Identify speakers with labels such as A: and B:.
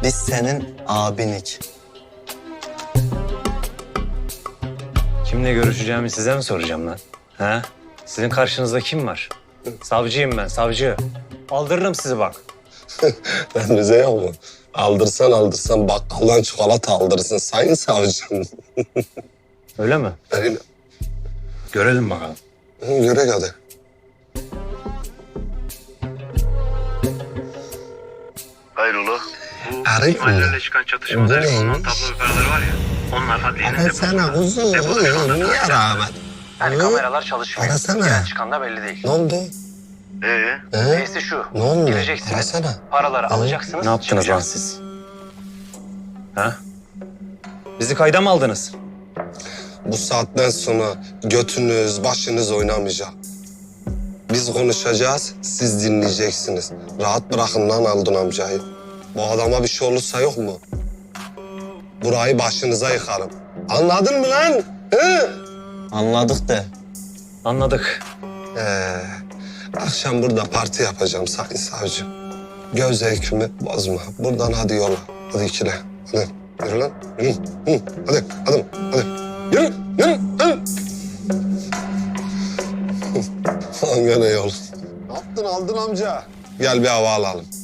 A: Biz senin abinik.
B: Kimle görüşeceğimi size mi soracağım lan? Ha? Sizin karşınızda kim var? Savcıyım ben, savcı. Aldırırım sizi bak.
C: Ben bize yok mu? Aldırsan bakkaldan çikolata aldırırsın sayın savcım.
B: Öyle mi?
C: Öyle.
B: Görelim bakalım.
C: Yürek hadi.
D: Hayrola?
C: Arayın mı?
D: İsmail'lerle çıkan çatışmada
C: Bu neymiş?
D: kullanılan tablo ve paraları var ya. Onlar adliyenin
C: Ara sana kuzum. Niye rağmen?
B: Yani kameralar çalışmıyor.
C: Arasana.
B: Giren çıkan da belli değil.
C: Ne oldu?
B: Neyse şu.
C: Ne oldu?
B: Gireceksiniz.
C: Arasana.
B: Paraları alacaksınız. Ne yaptınız lan siz? Ha? Bizi kayda mı aldınız?
C: Bu saatten sonra götünüz, başınız oynamayacak. Biz konuşacağız, siz dinleyeceksiniz. Rahat bırakın lan Aldun amcayı. Bu adama bir şey olursa yok mu? Burayı başınıza yıkarım. Anladın mı lan? Hı?
A: Anladık de.
B: Anladık.
C: Akşam burada parti yapacağım sayın savcı. Göz zevkimi bozma. Buradan hadi yola. Hadi ikile. Hadi. Yürü lan. Yürü. Hı. Hadi. Hadi. Hadi. Yürü. Yürü. Hadi. Lan gene yol. Ne yaptın Aldın amca? Gel bir hava alalım.